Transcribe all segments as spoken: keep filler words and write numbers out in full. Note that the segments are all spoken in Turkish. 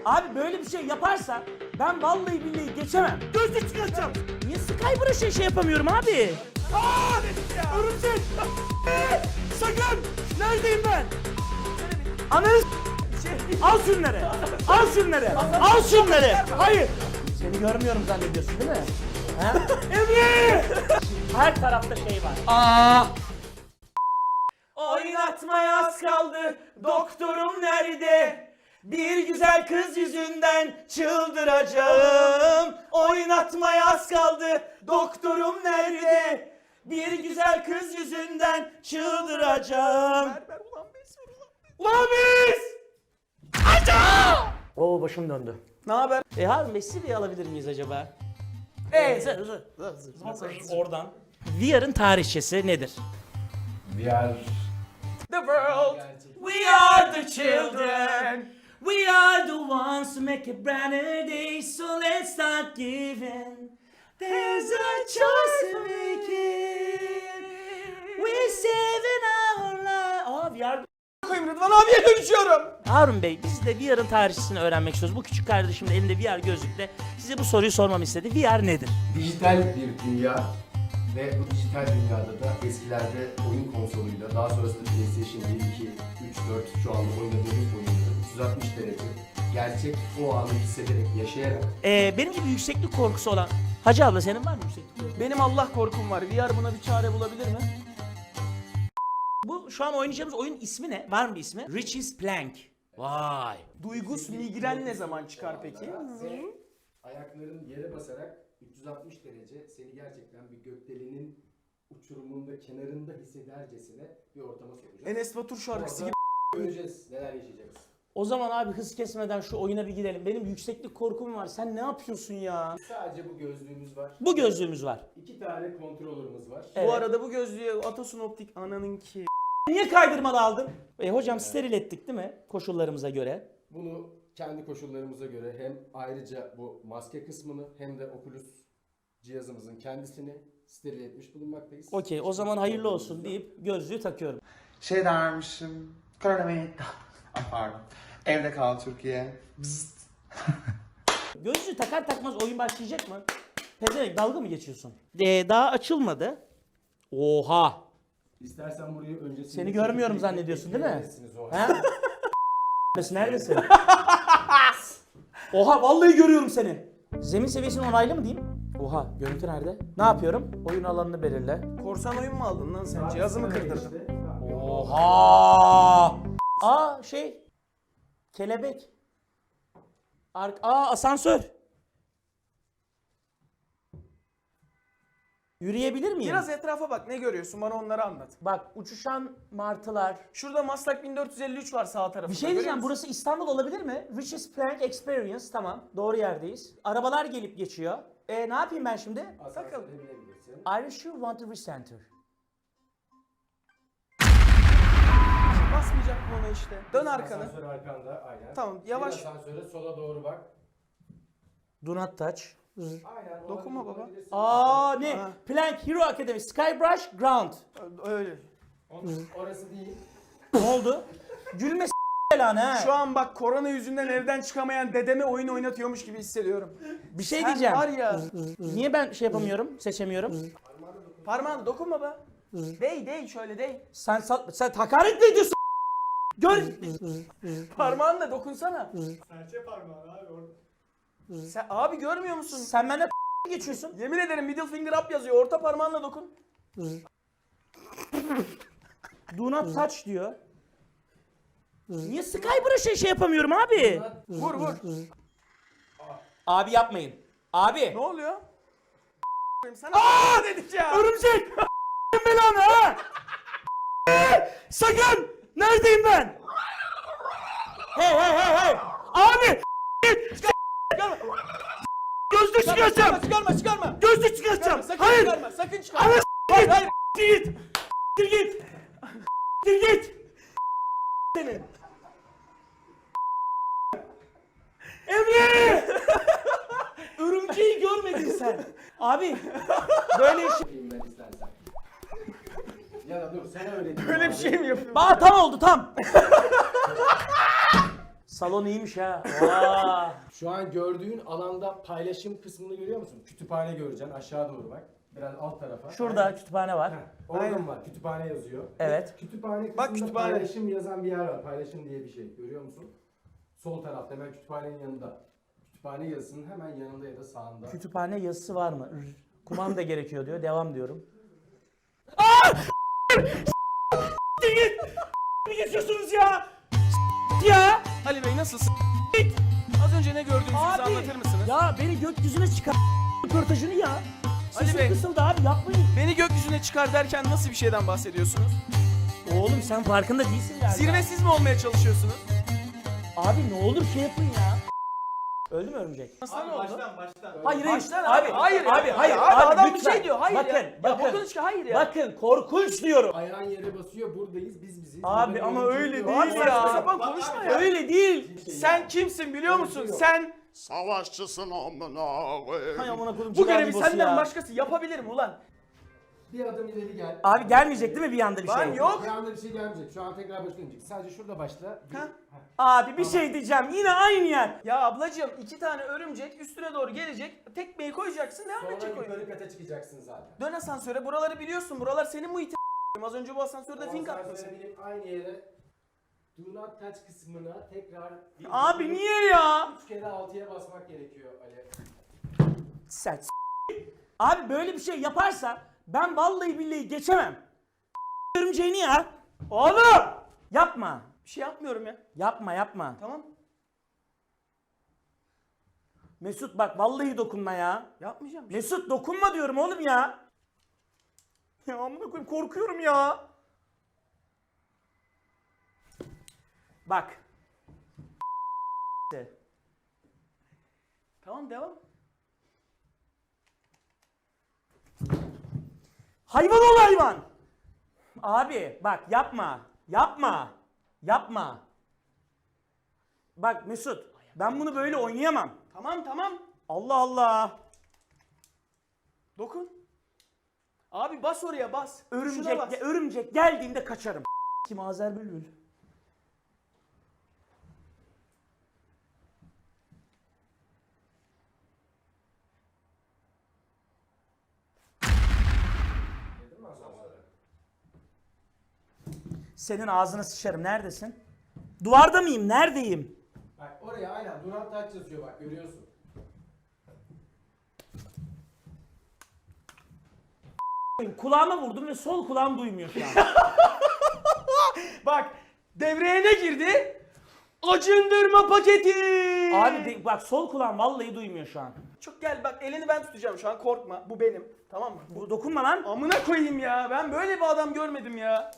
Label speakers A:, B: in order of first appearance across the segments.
A: Abi böyle bir şey yaparsa ben vallahi billahi geçemem. Gözlük çıkartacağım. Niye Skybrush'a şey yapamıyorum abi? Aaa! Örümcek! Sakın! Neredeyim ben? Ananı s***! Al şunları! Al şunları! Al şunları! Hayır! Seni görmüyorum zannediyorsun değil mi? He? Emre! Her tarafta şey var. Aa! Oynatmaya az kaldı, doktorum nerede? Bir güzel kız yüzünden çıldıracağım. Oynatmaya az kaldı, doktorum nerede? Bir güzel kız yüzünden çıldıracağım. Ver ver ulan biz, ulan biz. Ulan biz! Aca! Oo başım döndü.
B: Ne haber?
A: E Harun Bey Siri'yi alabilir miyiz acaba? Eee zır zır zır zır oradan. V R'ın tarihçesi nedir?
C: We are...
B: The world.
A: We are the children. We are the ones who make a brighter day. So let's start giving. There's a choice to make it. We're saving our life. Oh, we are...
B: Koyayım Rıdvan abiye dönüşüyorum.
A: Harun Bey, biz de V R'ın tarihçesini öğrenmek istiyoruz. Bu küçük kardeşim de elinde V R gözlükle size bu soruyu sormamı istedi. V R nedir?
C: Dijital bir dünya ve bu dijital dünyada da eskilerde oyun konsoluyla, daha sonrasında PlayStation bir, iki, üç, dört şu anda oynadığımız oyunları üç yüz altmış derece gerçek o anı hissederek, yaşayarak.
A: Ee, benim gibi yükseklik korkusu olan... Hacı abla senin var mı yükseklik korkusu?
B: Benim Allah korkum var. V R buna bir çare bulabilir mi?
A: Bu şu an oynayacağımız oyun ismi ne? Var mı bir ismi? Richie's Plank. Vay.
B: Duygus migren ne zaman çıkar peki?
C: Ve ayakların yere basarak üç yüz altmış derece seni gerçekten bir gökdelenin uçurumunda, kenarında hissedercesine bir ortama sokacak.
B: Enes Batur şarkısı gibi.
C: Göreceğiz neler yaşayacağız.
A: O zaman abi hız kesmeden şu oyuna bir gidelim. Benim yükseklik korkum var. Sen ne yapıyorsun ya?
C: Sadece bu gözlüğümüz var.
A: Bu gözlüğümüz var.
C: İki tane kontrolörümüz var.
A: Evet.
B: Bu arada bu gözlüğe Atasun Optik ananın ki.
A: Niye kaydırmalı aldın? E hocam steril ettik değil mi? Koşullarımıza göre.
C: Bunu kendi koşullarımıza göre hem ayrıca bu maske kısmını hem de Oculus cihazımızın kendisini steril etmiş bulunmaktayız.
A: Okey, o zaman hayırlı olsun deyip gözlüğü takıyorum.
D: Şey dermişim, koronavirüs, ah pardon, evde kal Türkiye, bzzzt.
A: Gözlüğü takar takmaz oyun başlayacak mı? Pezevenk dalga mı geçiyorsun? Ee, daha açılmadı. Oha!
C: İstersen burayı öncesinde...
A: Seni görmüyorum zannediyorsun değil mi?
C: O
A: He? Neredesin? Oha vallahi görüyorum seni. Zemin seviyesinin onaylı mı diyeyim? Oha görüntü nerede? Ne yapıyorum? Oyun alanını belirle.
B: Korsan oyun mu aldın lan sen? Cihazımı kırdırdın.
A: Oha! Aa şey. Kelebek. Ar Aa asansör. Yürüyebilir miyim?
B: Biraz etrafa bak, ne görüyorsun, bana onları anlat.
A: Bak uçuşan martılar.
B: Şurada Maslak bin dört yüz elli üç var sağ tarafında.
A: Bir şey diyeceğim, burası İstanbul olabilir mi? Richie's Plank Experience, tamam. Doğru yerdeyiz. Arabalar gelip geçiyor. E ne yapayım ben şimdi?
C: Asansöre binebilirsin.
A: Are you want to recenter?
B: Basmayacak mı ona işte? Dön arkanı.
C: Asansör arkanda aynen.
B: Tamam, yavaş.
C: Bir asansöre sola doğru bak.
A: Do not touch.
C: Aynen.
B: Dokunma
C: olabilir,
B: baba.
C: olabilirsin.
A: Aa ne?
B: Ha.
A: Plank Hero Academy, Skybrush Ground.
B: Öyle.
C: Onun- Orası değil.
A: Ne oldu? Gülme s*** belanı ha.
B: Şu an bak, korona yüzünden evden çıkamayan dedeme oyun oynatıyormuş gibi hissediyorum.
A: bir şey
B: Sen
A: diyeceğim.
B: var ya.
A: Niye ben şey yapamıyorum, seçemiyorum?
B: Parmağını dokunma be. Dey dey şöyle dey.
A: Sen sa- sen hakaret mi ediyorsun? Gör.
B: Parmağınla dokunsana.
E: Serçe parmağı abi orada.
B: Sen abi görmüyor musun?
A: Sen benden geçiyorsun.
B: Yemin ederim middle finger up yazıyor. Orta parmağınla dokun.
A: Do not touch diyor. Niye Skybrush'a şey yapamıyorum abi?
B: Vur vur.
A: Abi yapmayın. Abi.
B: Ne oluyor? Sana Aa dedik ya.
A: Örümcek. belanı ha. Sakın. Neredeyim ben? Hey hey hey hey. Abi. Gözlük
B: Çıkarma
A: çıkartacağım.
B: çıkarma çıkarma.
A: Gözlük çıkartacağım.
B: Sakın
A: Hayır.
B: çıkarma. Sakın çıkarma.
A: Ana
B: Hayır hayır.
A: git. Git. Git. Git. Git. Seni. Emre! Örümceği görmedin sen. Abi böyle bir şey.
C: Yapayım ben istersen. Ya da dur sen öyle değil.
B: Böyle bir
C: abi.
B: şey mi yapıyorsun?
A: Aa tam oldu tam. Salon iyiymiş ha. Aa.
C: Şu an gördüğün alanda paylaşım kısmını görüyor musun? Kütüphane göreceksin aşağı doğru bak. Biraz alt tarafa.
A: Şurada
C: Aynen.
A: kütüphane var.
C: Heh, orada var. Kütüphane yazıyor.
A: Evet.
C: Kütüphane kısmında
B: Bak, kütüphane.
C: paylaşım yazan bir yer var. Paylaşım diye bir şey. Görüyor musun? Sol tarafta hemen kütüphanenin yanında. Kütüphane yazısının hemen yanında ya da sağında.
A: Kütüphane yazısı var mı? Rr. Kumanda gerekiyor diyor. Devam diyorum. Aa! Git! Mi geçiyorsunuz ya? Ya!
B: Ali Bey nasılsın? Az önce ne gördüğünüzü bize
A: Abi!
B: anlatır mısınız?
A: Ya beni gökyüzüne çıkar röportajını ya. Sesim
B: Bey.
A: kısıldı abi yapmayın.
B: Beni gökyüzüne çıkar derken nasıl bir şeyden bahsediyorsunuz?
A: Oğlum sen farkında değilsin galiba.
B: Zirvesiz mi olmaya çalışıyorsunuz?
A: Abi ne olur şey yapın ya. Öldü mü örümcek?
B: Nasıl ne oldu?
E: Baştan baştan.
A: Hayır hayır.
B: Baştan
A: abi,
B: abi, hayır ya.
A: abi, hayır,
B: Abi,
A: abi,
B: adam bir
A: lütfen.
B: şey diyor, hayır
A: bakın,
B: ya. Ya
A: Bakın,
B: bokunu çıkar, hayır ya.
A: Bakın, korkunç diyorum.
C: Ayağın yere basıyor, buradayız, biz biziz.
A: Abi,
C: Burada
A: ama
C: görüntü
A: öyle
C: yok.
A: değil
B: Abi
A: ya.
B: saçma sapan konuşma ya.
A: Öyle değil.
B: Sen kimsin biliyor musun? Sen
F: Savaşçısın amına
A: Hay
F: koyayım.
A: amına koydum.
B: bu görevi
A: ciğer
B: senden
A: ya.
B: başkası yapabilir mi ulan?
C: Bir adım ileri gel.
A: Abi gelmeyecek değil mi bir anda bir
B: Lan
A: şey?
B: yok.
C: Bir anda bir şey gelmeyecek. Şu an tekrar başa dönecek. Sadece şurada başla. Bir-
B: Ha?
C: Heh.
A: Abi bir şey diyeceğim. Yine aynı yer.
B: Ya ablacığım iki tane örümcek üstüne doğru gelecek. Tekmeyi koyacaksın devam
C: Sonra
B: edecek oyun.
C: yukarı kata çıkacaksın zaten.
B: Dön asansöre buraları biliyorsun. Buralar senin muhitin. Az önce bu asansörde fink
C: Ondan
B: atmasın.
C: sonra binip aynı yere Do not touch kısmına tekrar bir-
A: Abi niye ya?
C: Üç kere altıya basmak gerekiyor Ali.
A: Sen s- Abi böyle bir şey yaparsa ben vallahi billahi geçemem. Örümceğini ya. Oğlum! Yapma.
B: Bir şey yapmıyorum ya.
A: Yapma yapma.
B: Tamam.
A: Mesut bak vallahi dokunma ya.
B: Yapmayacağım.
A: Mesut dokunma diyorum oğlum ya. Ya amına koyayım korkuyorum ya. Bak.
B: Tamam devam.
A: Hayvan ol hayvan. Abi bak yapma. Yapma. Yapma. Bak Mesut ben bunu böyle oynayamam.
B: Tamam tamam.
A: Allah Allah.
B: Dokun. Abi bas oraya bas. Şuna
A: Örümcek,
B: bas.
A: örümcek geldiğinde kaçarım. Kim Azer Bülbül? Senin ağzına sıçarım. Neredesin? Duvarda mıyım? Neredeyim?
C: Bak oraya aynen Do not touch yazıyor bak görüyorsun.
A: Kulağıma vurdum ve sol kulağım duymuyor şu an.
B: Bak devreye ne girdi? Acındırma paketi.
A: Abi de- bak sol kulağım vallahi duymuyor şu an.
B: Çok gel bak elini ben tutacağım şu an korkma. Bu benim. Tamam mı?
A: Bu dokunma lan.
B: Amına koyayım ya. Ben böyle bir adam görmedim ya.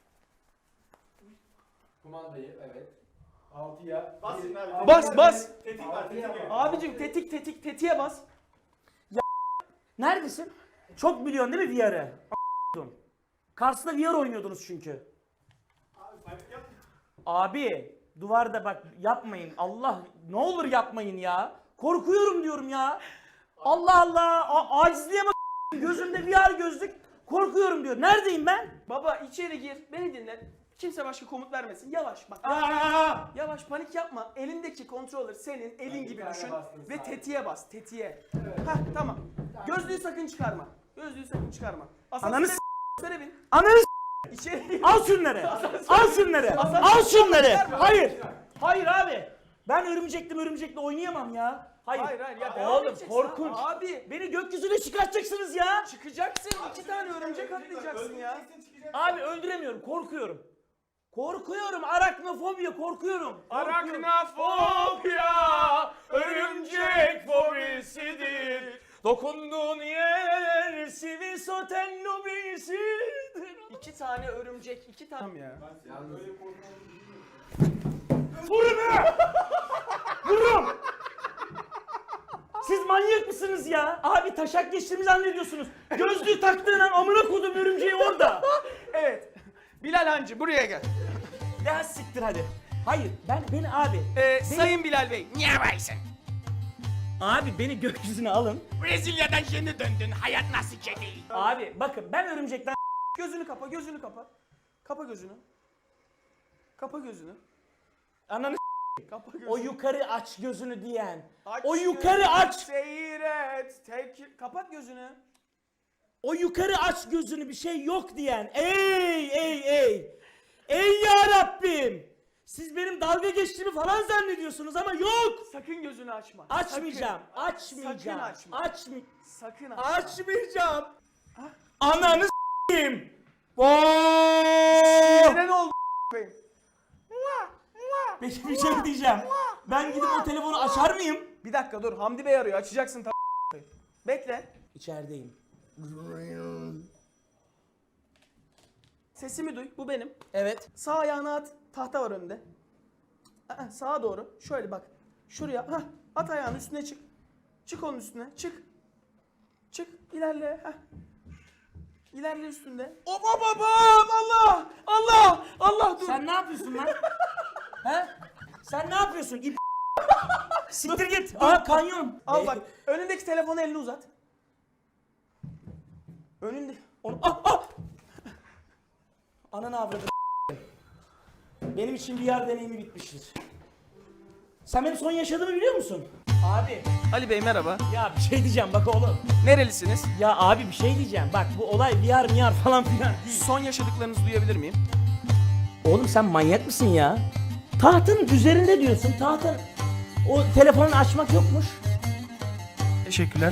C: Kumandayı evet. Altıya.
E: Bas
C: bir-
E: şimdi abi.
C: altıya
B: Bas,
C: bir-
B: bas.
E: Tetik var tetik var.
B: Abicim tetik tetik tetiğe bas.
A: Neredesin? Çok biliyorsun değil mi V R'ı? A**dum. Kars'ta V R oynuyordunuz çünkü.
E: Abi panik yap.
A: Abi duvarda bak yapmayın. Allah ne olur yapmayın ya. Korkuyorum diyorum ya. Allah Allah. A- acizliğe bak. Gözümde V R gözlük. Korkuyorum diyor. Neredeyim ben?
B: Baba içeri gir. Beni dinle. Kimse başka komut vermesin. Yavaş bak.
A: Aa!
B: Yavaş panik yapma. Elindeki kontroller senin elin
C: bir
B: gibi
C: tane
B: düşün
C: bastın
B: ve
C: sağa.
B: tetiğe bas. Tetiğe. Hah tamam. Gözlüğü sakın çıkarma. Gözlüğü sakın çıkarma.
A: Ananı s-
B: Asansöre bin.
A: Ananı
B: İçeri gir.
A: al şunları. Al şunları. Al şunları. Hayır. Hayır abi. Ben örümcekli örümcekle oynayamam ya. Hayır.
B: Hayır hayır ya devam
A: Oğlum
B: edeceksin.
A: korkunç.
B: Abi
A: Beni gökyüzüne çıkartacaksınız ya.
B: çıkacaksın. iki tane örümcek atlayacaksın ya.
E: Öldüreceksin, çıkacaksın.
A: Abi öldüremiyorum. Korkuyorum. Korkuyorum. Araknofobiya korkuyorum. Korkuyorum.
B: Araknafobia
A: örümcek fobisidir. Dokunduğun yer sivisoten lobisidir.
B: İki tane örümcek, iki tane. Tamam ya.
C: Yalnız
A: Vurun ha! Vurun! Siz manyak mısınız ya? Abi taşak geçtiğimi zannediyorsunuz. Gözlüğü taktığın an amına kodum örümceği orada.
B: Evet. Bilal Hancı buraya gel.
A: Ya siktir hadi. Hayır ben beni abi.
B: Ee,
A: beni-
B: Sayın Bilal Bey. Niye varsın?
A: Abi beni gökyüzüne alın.
F: Brezilya'dan yeni döndün. Hayat nasıl kedi?
A: Abi bakın ben örümcekten
B: Gözünü kapa, gözünü kapa. Kapa gözünü. Kapa gözünü.
A: ananı
B: Kapa gözünü.
A: O yukarı aç gözünü diyen.
B: Aç
A: O yukarı
B: gözünü,
A: aç.
B: Seyret. Tek... Kapat gözünü.
A: O yukarı aç gözünü bir şey yok diyen. Ey ey ey. Ey ya Rabbim. Siz benim dalga geçtiğimi falan zannediyorsunuz ama yok.
B: Sakın gözünü açma.
A: Açmayacağım.
B: Sakın.
A: Açmayacağım.
B: Sakın açma.
A: Açmay
B: Sakın açma.
A: Açmayacağım. Ananı s**eyim. Oo!
B: Yine ne oldu koyayım?
A: Peki bir şey diyeceğim. Ben gidip o telefonu açar mıyım?
B: Bir dakika dur. Hamdi Bey arıyor. Açacaksın tabii. Bekle.
A: İçerideyim.
B: Sesimi duy. Bu benim.
A: Evet.
B: Sağ ayağını at. Tahta var önünde. Aa, sağa doğru. Şöyle bak. Şuraya. Hah. At ayağını üstüne çık. Çık onun üstüne. Çık. Çık. İlerle. Hah. İlerle üstünde. Hop hop hop hop. Allah. Allah. Allah dur.
A: Sen ne yapıyorsun lan? He? Sen ne yapıyorsun? İp Siktir git. Aa kanyon.
B: Al bak. Önündeki telefonu elini uzat. Önünde.
A: Onu ah ah. Ananı avradı. Benim için V R deneyimi bitmiştir. Sen benim son yaşadığımı biliyor musun? Abi.
B: Ali Bey merhaba.
A: Ya bir şey diyeceğim bak oğlum.
B: Nerelisiniz?
A: Ya abi bir şey diyeceğim. Bak bu olay V R M R falan filan değil.
B: Son yaşadıklarınızı duyabilir miyim?
A: Oğlum sen manyak mısın ya? Tahtın üzerinde diyorsun. Tahtın. O telefonu açmak yokmuş.
B: Teşekkürler.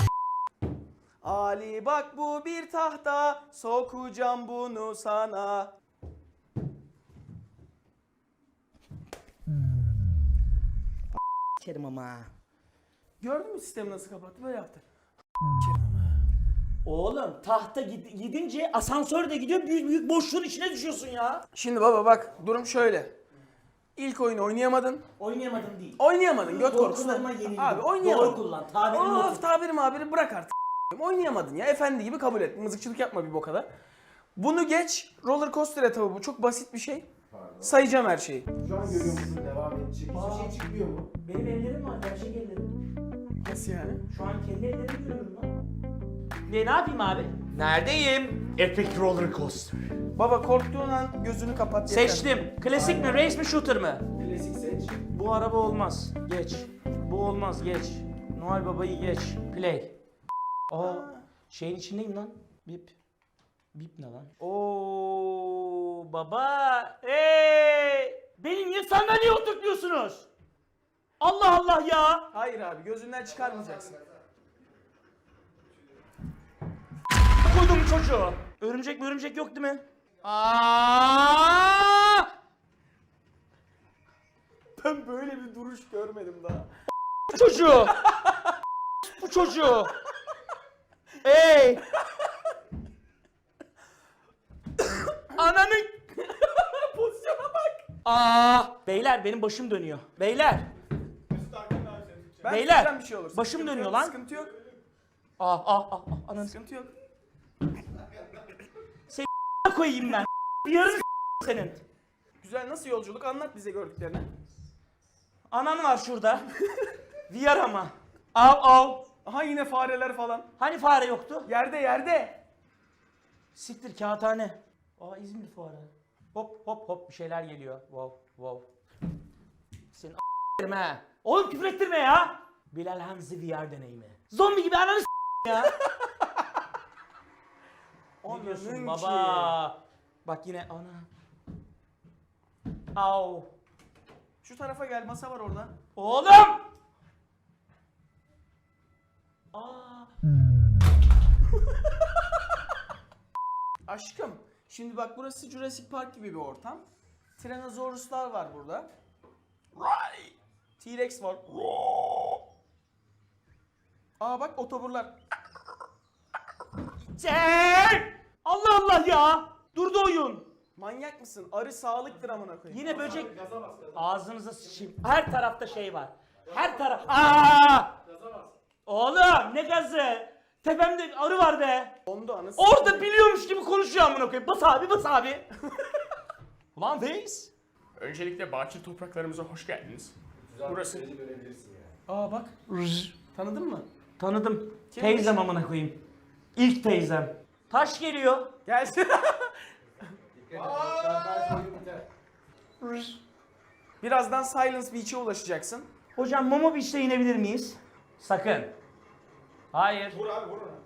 B: Ali bak bu bir tahta, sokacağım bunu sana.
A: Kerim ama.
B: Gördün mü sistemi nasıl kapattı? Böyle yaptı.
A: Oğlum tahta gid- gidince asansör de gidiyor. Büyük büyük boşluğun içine düşüyorsun ya.
B: Şimdi baba bak durum şöyle. İlk oyunu oynayamadın.
A: Oynayamadım değil.
B: Oynayamadın göt
A: Korkularıma
B: korkusu.
A: yenildim.
B: Abi oynayamadın.
A: Doğru kullan. Tabirimi
B: Of
A: otur.
B: tabiri mabiri bırak artık. Oynayamadın ya. Efendi gibi kabul et. Mızıkçılık yapma bir bokada. Bunu geç. Roller coaster etabı bu. Çok basit bir şey. Sayacağım her şeyi.
C: Şu an görüyor musun? Devam edecek. Hiçbir şey çıkmıyor mu?
A: Benim ellerim var. Gerçek ellerim.
B: Nasıl yani?
A: Şu an kendi ellerimi görüyorum lan. Ne, ne yapayım abi?
F: Neredeyim? Epic Roller Coaster.
B: Baba korktuğun an gözünü kapat. yeter.
A: Seçtim. Klasik mi? Race mi? Shooter mı?
C: Klasik seç.
A: Bu araba olmaz. Geç. Bu olmaz. Geç. Noel Baba'yı geç. Play. Aa, şeyin içindeyim lan. Bip. Bip ne lan? Oo baba. Hey! Beni niye sandalyeye oturtuyorsunuz? Allah Allah ya.
B: Hayır abi gözünden çıkarmayacaksın.
A: Koydum çocuğu. Örümcek mi örümcek yok değil mi? Aa!
B: Ben böyle bir duruş görmedim daha.
A: Bu çocuğu. Bu çocuğu. Ey! Ananın
B: Pozisyona bak.
A: Aa! Beyler benim başım dönüyor. Beyler.
B: Ben
A: Beyler,
B: tutacağım bir şey olursa.
A: başım
B: Sıkıntı
A: dönüyor
B: yok,
A: lan.
B: Sıkıntı yok.
A: Ah ah ah ah ananı
B: Sıkıntı yok.
A: koyayım ben. Yarın senin.
B: Güzel nasıl yolculuk anlat bize gördüklerini.
A: Anan var şurada. V R ama. Av av.
B: Aha yine fareler falan.
A: Hani fare yoktu?
B: Yerde yerde.
A: Siktir kağıthane. Aa İzmir fuarı. Hop hop hop bir şeyler geliyor. Wow wow. Senin a**lerim ha. Oğlum küfür ettirme ya. Bilal Hamzi V R deneyimi. Zombi gibi ananı s*** ya. Ne diyorsun
B: Ananın
A: baba? Bak yine ana. Au.
B: Şu tarafa gel masa var orada.
A: Oğlum! Aa.
B: Aşkım şimdi bak burası Jurassic Park gibi bir ortam. Tyrannosauruslar var burada. T-Rex var. Aa bak otoburlar.
A: Cem! Allah Allah ya! Durdu oyun.
B: Manyak mısın? Arı sağlıktır amına koyayım.
A: Yine böcek. Ağzınıza sıçayım. Her tarafta şey var. Her taraf. Aa! Oğlum ne gazı? Tepemde arı var be.
B: Dondu anası.
A: Orada biliyormuş gibi konuşuyor amına koyayım. Bas abi bas abi. Ulan Veys.
F: Öncelikle Bakir topraklarımıza hoş geldiniz. Burası.
C: görebilirsin yani.
B: Aa bak. Tanıdın mı?
A: Tanıdım.
B: Kimmiş?
A: Teyzem amına koyayım. İlk teyzem. Taş geliyor.
B: Gelsin.
C: Dikkat et. Daha ben söyleyeyim biter.
B: Birazdan Silence Beach'e ulaşacaksın.
A: Hocam Momo Beach'te inebilir miyiz? Sakın. Hayır.
E: Vur abi vur ona.